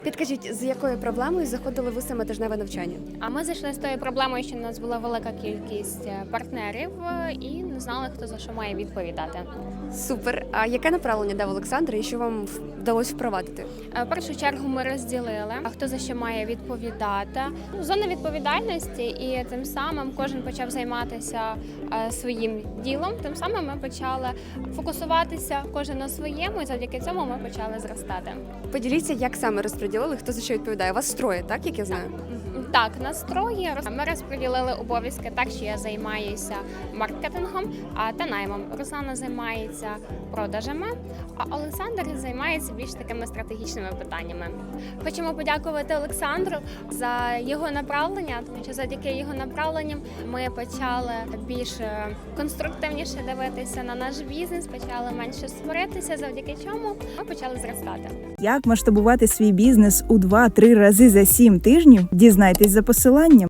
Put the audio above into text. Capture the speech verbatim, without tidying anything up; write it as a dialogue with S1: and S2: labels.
S1: Підкажіть, з якою проблемою заходили ви саме тижневе навчання?
S2: А ми зайшли з тою проблемою, що в нас була велика кількість партнерів і не знали, хто за що має відповідати.
S1: Супер. А яке направлення дав Олександр і що вам вдалося впровадити?
S2: В першу чергу ми розділили, а хто за що має відповідати. Зона відповідальності, і тим самим кожен почав займатися своїм ділом. Тим самим ми почали фокусуватися кожен на своєму, і завдяки цьому ми почали зростати.
S1: Поділіться, як саме розподілили, хто за що відповідає. У вас троє, так, як я знаю?
S2: Так, настрої ми розподілили обов'язки так, що я займаюся маркетингом та наймом. Руслана займається продажами, а Олександр займається більш такими стратегічними питаннями. Хочемо подякувати Олександру за його направлення, тому що завдяки його направленням ми почали більш конструктивніше дивитися на наш бізнес, почали менше сваритися, завдяки чому ми почали зростати.
S3: Як масштабувати свій бізнес у два-три рази за сім тижнів? Дізнайтесь за посиланням.